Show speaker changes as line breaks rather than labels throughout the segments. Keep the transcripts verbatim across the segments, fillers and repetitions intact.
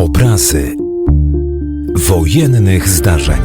Obrazy wojennych zdarzeń.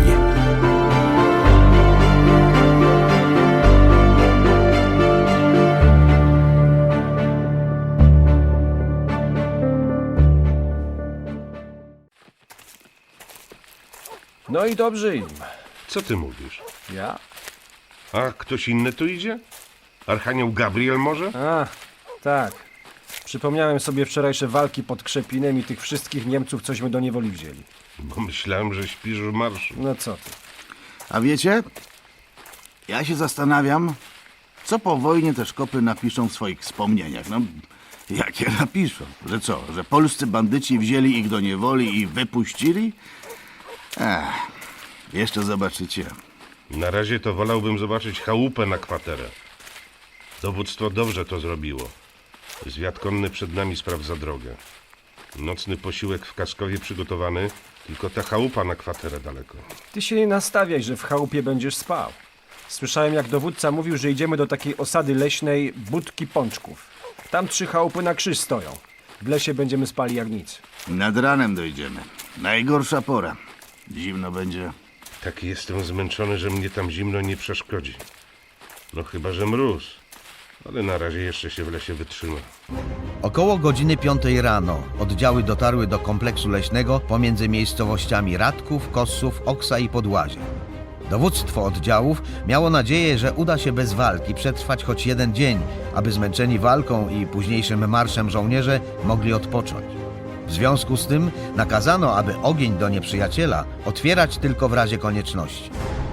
No i dobrze im.
Co ty mówisz?
Ja?
A ktoś inny tu idzie? Archanioł Gabriel może?
A, tak. Przypomniałem sobie wczorajsze walki pod Krzepinem i tych wszystkich Niemców, cośmy do niewoli wzięli.
Bo myślałem, że śpisz w marszu.
No co ty?
A wiecie, ja się zastanawiam, co po wojnie te szkopy napiszą w swoich wspomnieniach. No, jakie napiszą? Że co, że polscy bandyci wzięli ich do niewoli i wypuścili? Ech, jeszcze zobaczycie.
Na razie to wolałbym zobaczyć chałupę na kwaterę. Dowództwo dobrze to zrobiło. Zwiat konny przed nami sprawdza drogę. Nocny posiłek w Kaskowie przygotowany, tylko ta chałupa na kwaterę daleko.
Ty się nie nastawiaj, że w chałupie będziesz spał. Słyszałem, jak dowódca mówił, że idziemy do takiej osady leśnej Budki Pączków. Tam trzy chałupy na krzyż stoją. W lesie będziemy spali jak nic.
Nad ranem dojdziemy. Najgorsza pora. Zimno będzie.
Taki jestem zmęczony, że mnie tam zimno nie przeszkodzi. No chyba, że mróz. Ale na razie jeszcze się w lesie wytrzyma.
Około godziny piątej rano oddziały dotarły do kompleksu leśnego pomiędzy miejscowościami Radków, Kossów, Oksa i Podłazie. Dowództwo oddziałów miało nadzieję, że uda się bez walki przetrwać choć jeden dzień, aby zmęczeni walką i późniejszym marszem żołnierze mogli odpocząć. W związku z tym nakazano, aby ogień do nieprzyjaciela otwierać tylko w razie konieczności.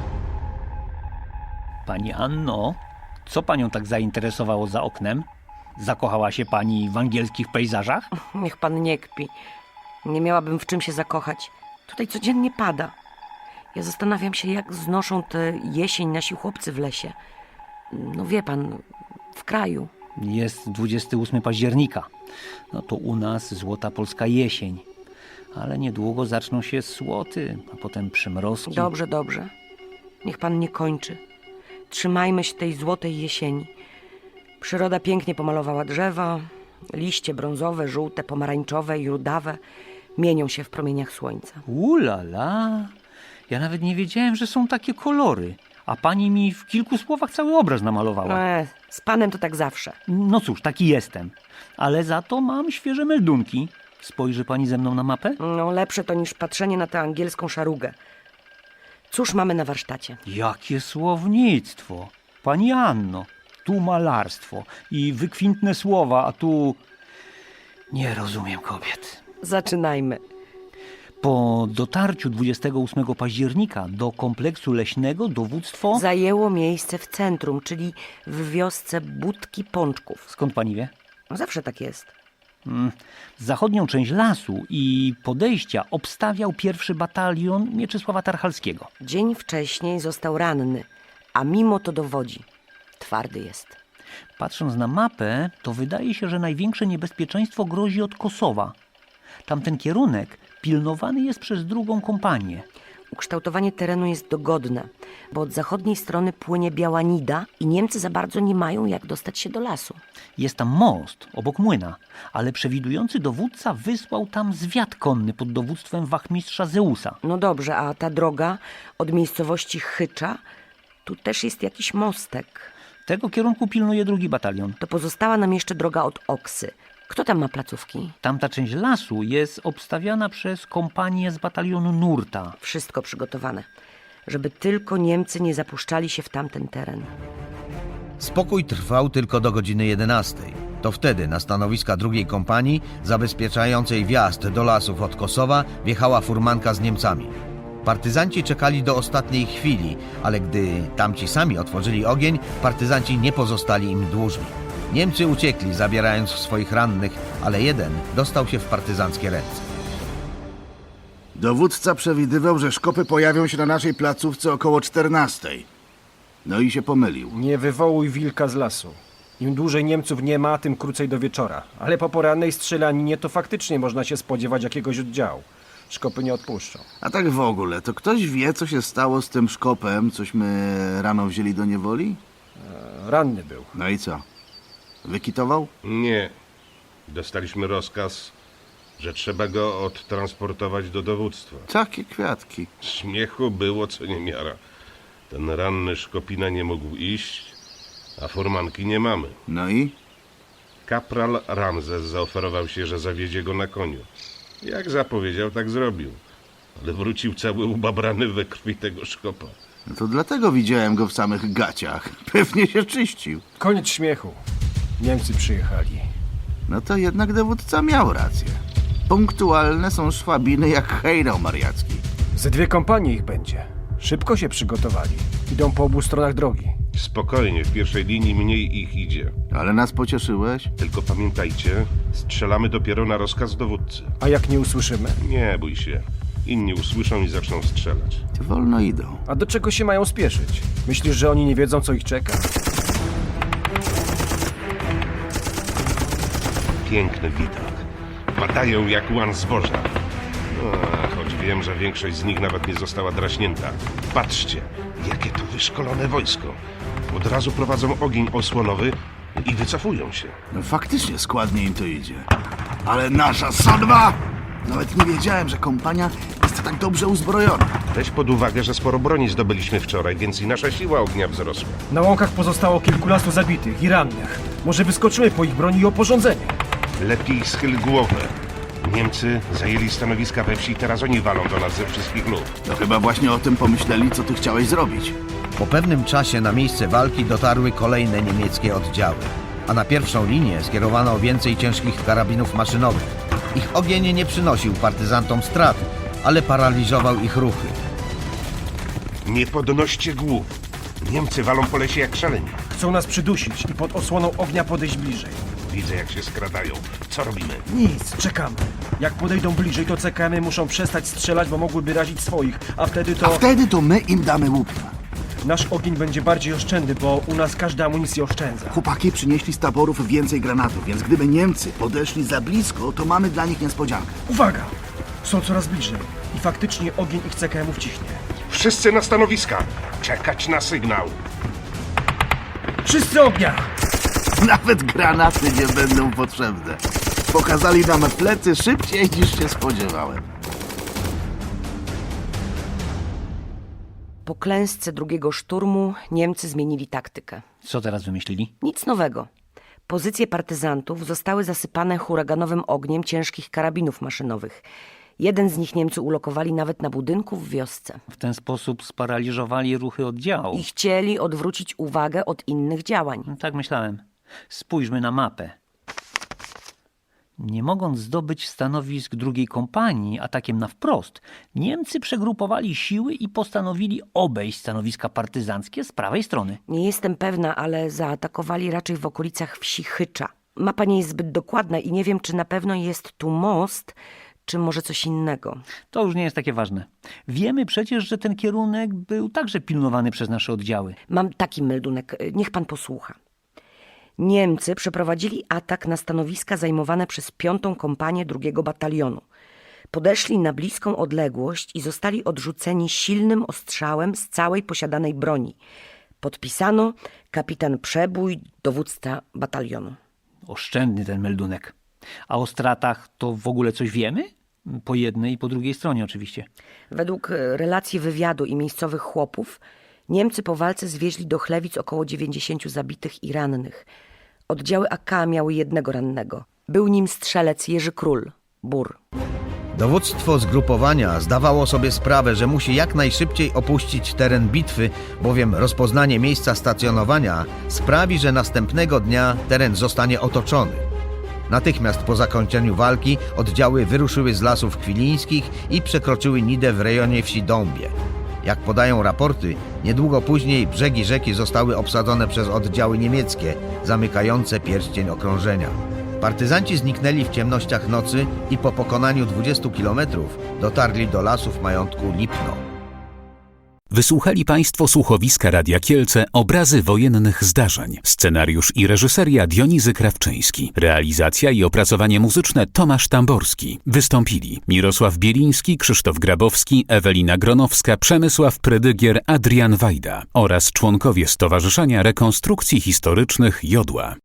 Pani Anno, co panią tak zainteresowało za oknem? Zakochała się pani w angielskich pejzażach?
Niech pan nie kpi. Nie miałabym w czym się zakochać. Tutaj codziennie pada. Ja zastanawiam się, jak znoszą tę jesień nasi chłopcy w lesie. No wie pan, w kraju.
Jest dwudziestego ósmego października. No to u nas złota polska jesień. Ale niedługo zaczną się słoty, a potem przymrozki.
Dobrze, dobrze. Niech pan nie kończy. Trzymajmy się tej złotej jesieni. Przyroda pięknie pomalowała drzewa. Liście brązowe, żółte, pomarańczowe i rudawe mienią się w promieniach słońca.
Ulala! Ja nawet nie wiedziałem, że są takie kolory. A pani mi w kilku słowach cały obraz namalowała.
E, z panem to tak zawsze.
No cóż, taki jestem. Ale za to mam świeże meldunki. Spojrzy pani ze mną na mapę?
No lepsze to niż patrzenie na tę angielską szarugę. Cóż mamy na warsztacie?
Jakie słownictwo! Pani Anno, tu malarstwo i wykwintne słowa, a tu... Nie rozumiem kobiet.
Zaczynajmy.
Po dotarciu dwudziestego ósmego października do kompleksu leśnego dowództwo...
Zajęło miejsce w centrum, czyli w wiosce Budki Pączków.
Skąd pani wie?
No zawsze tak jest.
Mm, zachodnią część lasu i podejścia obstawiał pierwszy batalion Mieczysława Tarchalskiego.
Dzień wcześniej został ranny, a mimo to dowodzi. Twardy jest.
Patrząc na mapę, to wydaje się, że największe niebezpieczeństwo grozi od Kosowa. Tamten kierunek pilnowany jest przez drugą kompanię.
Ukształtowanie terenu jest dogodne, bo od zachodniej strony płynie Biała Nida i Niemcy za bardzo nie mają jak dostać się do lasu.
Jest tam most obok młyna, ale przewidujący dowódca wysłał tam zwiat konny pod dowództwem wachmistrza Zeusa.
No dobrze, a ta droga od miejscowości Chycza, tu też jest jakiś mostek.
Tego kierunku pilnuje drugi batalion.
To pozostała nam jeszcze droga od Oksy. Kto tam ma placówki?
Tamta część lasu jest obstawiana przez kompanię z batalionu Nurta.
Wszystko przygotowane, żeby tylko Niemcy nie zapuszczali się w tamten teren.
Spokój trwał tylko do godziny jedenastej. To wtedy na stanowiska drugiej kompanii, zabezpieczającej wjazd do lasów od Kosowa, wjechała furmanka z Niemcami. Partyzanci czekali do ostatniej chwili, ale gdy tamci sami otworzyli ogień, partyzanci nie pozostali im dłużni. Niemcy uciekli, zabierając swoich rannych, ale jeden dostał się w partyzanckie ręce.
Dowódca przewidywał, że szkopy pojawią się na naszej placówce około czternastej. No i się pomylił.
Nie wywołuj wilka z lasu. Im dłużej Niemców nie ma, tym krócej do wieczora. Ale po porannej strzelaninie to faktycznie można się spodziewać jakiegoś oddziału. Szkopy nie odpuszczą.
A tak w ogóle, to ktoś wie, co się stało z tym szkopem, cośmy rano wzięli do niewoli?
E, ranny był.
No i co? Wykitował?
Nie. Dostaliśmy rozkaz, że trzeba go odtransportować do dowództwa.
Takie kwiatki.
Śmiechu było co niemiara. Ten ranny Szkopina nie mógł iść, a furmanki nie mamy.
No i?
Kapral Ramzes zaoferował się, że zawiedzie go na koniu. Jak zapowiedział, tak zrobił. Ale wrócił cały ubabrany we krwi tego Szkopa.
No to dlatego widziałem go w samych gaciach. Pewnie się czyścił.
Koniec śmiechu. Niemcy przyjechali.
No to jednak dowódca miał rację. Punktualne są szwabiny jak hejnał mariacki.
Ze dwie kompanie ich będzie. Szybko się przygotowali. Idą po obu stronach drogi.
Spokojnie, w pierwszej linii mniej ich idzie.
Ale nas pocieszyłeś?
Tylko pamiętajcie, strzelamy dopiero na rozkaz dowódcy.
A jak nie usłyszymy?
Nie bój się. Inni usłyszą i zaczną strzelać.
Ty wolno idą.
A do czego się mają spieszyć? Myślisz, że oni nie wiedzą, co ich czeka?
Piękny widok. Padają jak łan zboża. A, choć wiem, że większość z nich nawet nie została draśnięta. Patrzcie, jakie to wyszkolone wojsko. Od razu prowadzą ogień osłonowy i wycofują się.
No faktycznie składnie im to idzie. Ale nasza sodba! Nawet nie wiedziałem, że kompania jest tak dobrze uzbrojona.
Weź pod uwagę, że sporo broni zdobyliśmy wczoraj, więc i nasza siła ognia wzrosła.
Na łąkach pozostało kilkunastu zabitych i rannych. Może wyskoczymy po ich broni i oporządzenie.
Lepiej schyl głowę. Niemcy zajęli stanowiska we wsi i teraz oni walą do nas ze wszystkich lub.
To chyba właśnie o tym pomyśleli, co ty chciałeś zrobić.
Po pewnym czasie na miejsce walki dotarły kolejne niemieckie oddziały, a na pierwszą linię skierowano więcej ciężkich karabinów maszynowych. Ich ogień nie przynosił partyzantom strat, ale paraliżował ich ruchy.
Nie podnoście głów. Niemcy walą po lesie jak szaleni.
Chcą nas przydusić i pod osłoną ognia podejść bliżej.
Widzę, jak się skradają. Co robimy?
Nic, czekamy. Jak podejdą bliżej, to C K M-y muszą przestać strzelać, bo mogłyby razić swoich, a wtedy to...
A wtedy to my im damy łupna.
Nasz ogień będzie bardziej oszczędny, bo u nas każda amunicja oszczędza.
Chłopaki przynieśli z taborów więcej granatów, więc gdyby Niemcy podeszli za blisko, to mamy dla nich niespodziankę.
Uwaga! Są coraz bliżej i faktycznie ogień ich C K M-ów ciśnie.
Wszyscy na stanowiska! Czekać na sygnał!
Wszyscy ognia!
Nawet granaty nie będą potrzebne. Pokazali nam plecy szybciej niż się spodziewałem.
Po klęsce drugiego szturmu Niemcy zmienili taktykę.
Co teraz wymyślili?
Nic nowego. Pozycje partyzantów zostały zasypane huraganowym ogniem ciężkich karabinów maszynowych. Jeden z nich Niemcy ulokowali nawet na budynku w wiosce.
W ten sposób sparaliżowali ruchy oddziału.
I chcieli odwrócić uwagę od innych działań.
Tak myślałem. Spójrzmy na mapę. Nie mogąc zdobyć stanowisk drugiej kompanii atakiem na wprost, Niemcy przegrupowali siły i postanowili obejść stanowiska partyzanckie z prawej strony.
Nie jestem pewna, ale zaatakowali raczej w okolicach wsi Chycza. Mapa nie jest zbyt dokładna i nie wiem, czy na pewno jest tu most, czy może coś innego.
To już nie jest takie ważne. Wiemy przecież, że ten kierunek był także pilnowany przez nasze oddziały.
Mam taki meldunek, niech pan posłucha. Niemcy przeprowadzili atak na stanowiska zajmowane przez piątą kompanię drugiego batalionu. Podeszli na bliską odległość i zostali odrzuceni silnym ostrzałem z całej posiadanej broni. Podpisano kapitan Przebój, dowódca batalionu.
Oszczędny ten meldunek. A o stratach to w ogóle coś wiemy? Po jednej i po drugiej stronie oczywiście.
Według relacji wywiadu i miejscowych chłopów, Niemcy po walce zwieźli do Chlewic około dziewięćdziesięciu zabitych i rannych. Oddziały A K miały jednego rannego. Był nim strzelec Jerzy Król, Bór.
Dowództwo zgrupowania zdawało sobie sprawę, że musi jak najszybciej opuścić teren bitwy, bowiem rozpoznanie miejsca stacjonowania sprawi, że następnego dnia teren zostanie otoczony. Natychmiast po zakończeniu walki oddziały wyruszyły z lasów kwilińskich i przekroczyły Nidę w rejonie wsi Dąbie. Jak podają raporty, niedługo później brzegi rzeki zostały obsadzone przez oddziały niemieckie, zamykające pierścień okrążenia. Partyzanci zniknęli w ciemnościach nocy i po pokonaniu dwudziestu kilometrów dotarli do lasów majątku Lipno.
Wysłuchali Państwo słuchowiska Radia Kielce Obrazy wojennych zdarzeń. Scenariusz i reżyseria Dionizy Krawczyński. Realizacja i opracowanie muzyczne Tomasz Tamborski. Wystąpili Mirosław Bieliński, Krzysztof Grabowski, Ewelina Gronowska, Przemysław Predygier, Adrian Wajda oraz członkowie Stowarzyszenia Rekonstrukcji Historycznych Jodła.